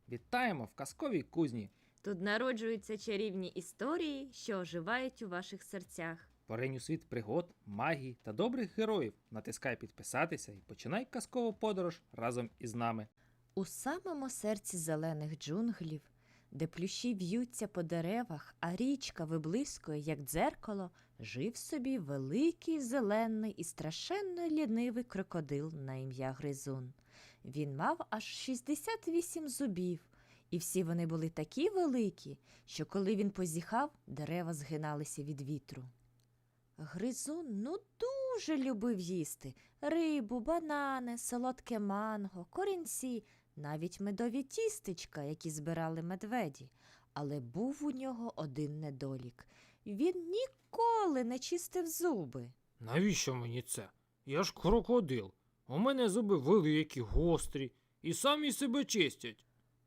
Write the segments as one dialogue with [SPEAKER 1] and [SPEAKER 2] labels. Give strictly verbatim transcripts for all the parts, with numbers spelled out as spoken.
[SPEAKER 1] Вітаємо в казковій кузні.
[SPEAKER 2] Тут народжуються чарівні історії, що оживають у ваших серцях.
[SPEAKER 1] Поринь у світ пригод, магії та добрих героїв. Натискай підписатися і починай казкову подорож разом із нами.
[SPEAKER 2] У самому серці зелених джунглів, де плющі в'ються по деревах, а річка виблискує, як дзеркало, жив собі великий зелений і страшенно лінивий крокодил на ім'я Гризун. Він мав аж шістдесят вісім зубів, і всі вони були такі великі, що коли він позіхав, дерева згиналися від вітру. Гризун ну дуже любив їсти рибу, банани, солодке манго, корінці, навіть медові тістечка, які збирали медведі. Але був у нього один недолік. Він ніколи не чистив зуби.
[SPEAKER 3] Навіщо мені це? Я ж крокодил. У мене зуби великі, гострі і самі себе чистять.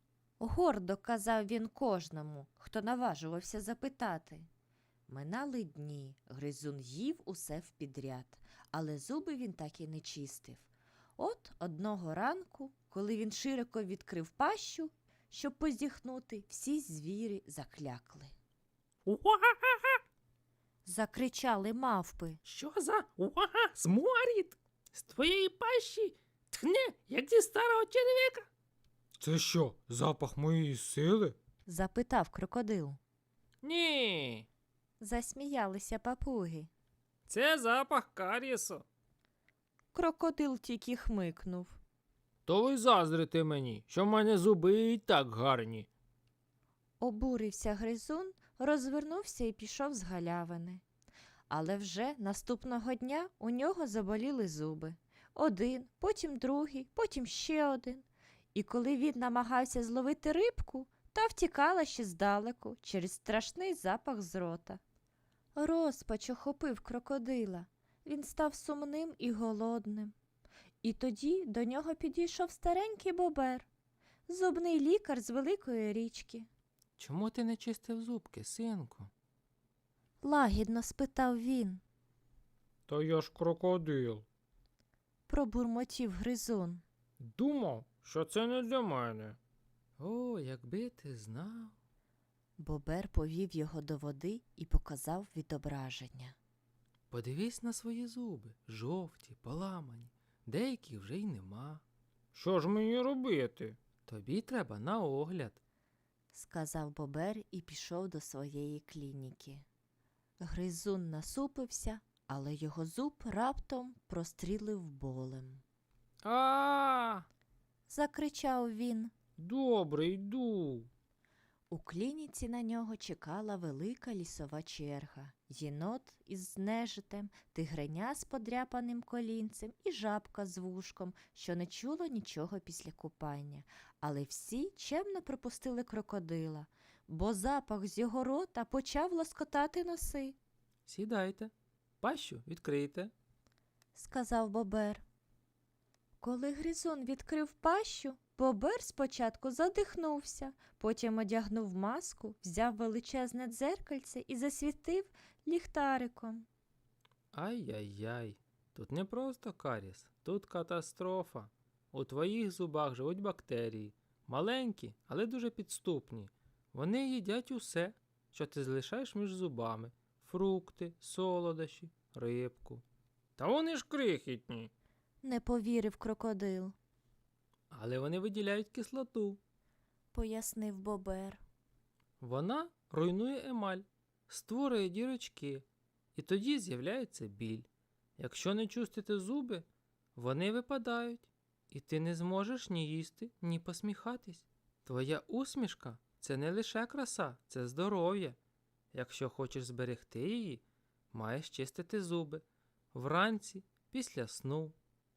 [SPEAKER 2] Гордо казав він кожному, хто наважувався запитати. Минали дні, Гризун їв усе впідряд, але зуби він так і не чистив. От одного ранку, коли він широко відкрив пащу, щоб позіхнути, всі звірі заклякли.
[SPEAKER 3] Уа-ха-ха!
[SPEAKER 2] Закричали мавпи.
[SPEAKER 3] Що за уа-ха, сморід? З твоєї пащі тхне, як зі старого черв'яка. Це що, запах моєї сили?
[SPEAKER 2] Запитав крокодил.
[SPEAKER 3] Ні,
[SPEAKER 2] Засміялися папуги.
[SPEAKER 3] це запах карісу.
[SPEAKER 2] Крокодил тільки хмикнув.
[SPEAKER 3] То ви заздрите мені, що в мене зуби і так гарні.
[SPEAKER 2] Обурився Гризун, розвернувся і пішов з галявини. Але вже наступного дня у нього заболіли зуби. Один, потім другий, потім ще один. І коли він намагався зловити рибку, та втікала ще здалеку через страшний запах з рота. Розпач охопив крокодила. Він став сумним і голодним. І тоді до нього підійшов старенький бобер, зубний лікар з великої річки.
[SPEAKER 3] Чому ти не чистив зубки, синку?
[SPEAKER 2] Лагідно спитав він.
[SPEAKER 3] Та я ж крокодил.
[SPEAKER 2] Пробурмотів Гризун.
[SPEAKER 3] Думав, що це не для мене.
[SPEAKER 1] О, якби ти знав.
[SPEAKER 2] Бобер повів його до води і показав відображення.
[SPEAKER 1] Подивись на свої зуби, жовті, поламані. Деяких вже й нема.
[SPEAKER 3] Що ж мені робити?
[SPEAKER 1] Тобі треба на огляд.
[SPEAKER 2] Сказав Бобер і пішов до своєї клініки. Гризун насупився, але його зуб раптом прострілив болем.
[SPEAKER 3] А,
[SPEAKER 2] Закричав він.
[SPEAKER 3] добре, йду.
[SPEAKER 2] У клініці на нього чекала велика лісова черга. Єнот із нежитем, тигреня з подряпаним колінцем і жабка з вушком, що не чуло нічого після купання. Але всі чемно пропустили крокодила, бо запах з його рота почав лоскотати носи,
[SPEAKER 1] Сідайте, пащу відкрийте.
[SPEAKER 2] сказав Бобер. Коли Гризун відкрив пащу, Бобер спочатку задихнувся, потім одягнув маску, взяв величезне дзеркальце і засвітив ліхтариком.
[SPEAKER 1] Ай-яй-яй, тут не просто каріс, тут катастрофа. У твоїх зубах живуть бактерії. Маленькі, але дуже підступні. Вони їдять усе, що ти залишаєш між зубами. Фрукти, солодощі, рибку.
[SPEAKER 3] Та вони ж крихітні.
[SPEAKER 2] Не повірив крокодил,
[SPEAKER 1] Але вони виділяють кислоту.
[SPEAKER 2] пояснив Бобер.
[SPEAKER 1] Вона руйнує емаль, створює дірочки, і тоді з'являється біль. Якщо не чистити зуби, вони випадають, і ти не зможеш ні їсти, ні посміхатись. Твоя усмішка – це не лише краса, це здоров'я. Якщо хочеш зберегти її, маєш чистити зуби вранці, після сну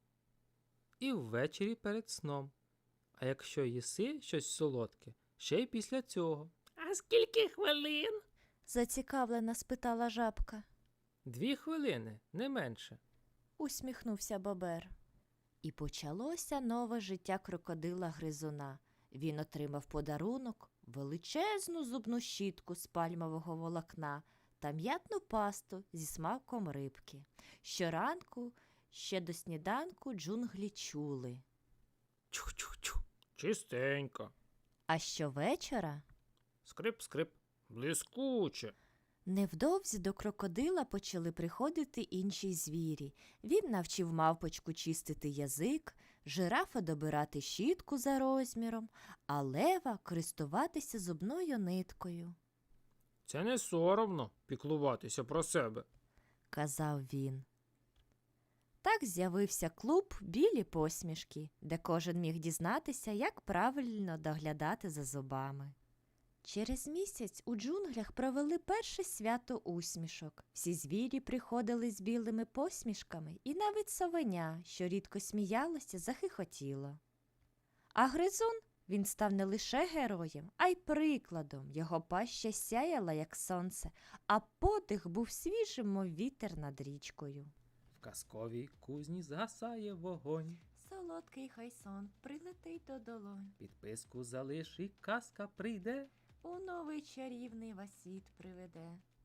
[SPEAKER 1] і ввечері перед сном. А якщо їси щось солодке, ще й після цього.
[SPEAKER 3] А скільки хвилин?
[SPEAKER 2] Зацікавлена спитала жабка.
[SPEAKER 1] Дві хвилини, не менше.
[SPEAKER 2] Усміхнувся Бобер. І почалося нове життя крокодила Гризуна. Він отримав подарунок величезну зубну щітку з пальмового волокна та м'ятну пасту зі смаком рибки. Щоранку, ще до сніданку джунглі чули.
[SPEAKER 3] Чух-чух-чух. Чистенько.
[SPEAKER 2] А щовечора
[SPEAKER 3] Скрип-скрип. Блискуче.
[SPEAKER 2] невдовзі до крокодила почали приходити інші звірі. Він навчив мавпочку чистити язик, жирафа добирати щітку за розміром, а лева користуватися зубною ниткою.
[SPEAKER 3] Це не соромно піклуватися про себе.
[SPEAKER 2] Казав він. Так з'явився клуб «Білі посмішки», де кожен міг дізнатися, як правильно доглядати за зубами. Через місяць у джунглях провели перше свято усмішок. Всі звірі приходили з білими посмішками, і навіть совеня, що рідко сміялося, захихотіло. А гризун, він став не лише героєм, а й прикладом. Його паща сяяла, як сонце, а подих був свіжим, мов вітер над річкою.
[SPEAKER 1] В казковій кузні згасає вогонь.
[SPEAKER 2] Солодкий хай сон прилетить до долонь,
[SPEAKER 1] Підписку залиш і казка прийде.
[SPEAKER 2] у новий чарівний вас світ приведе.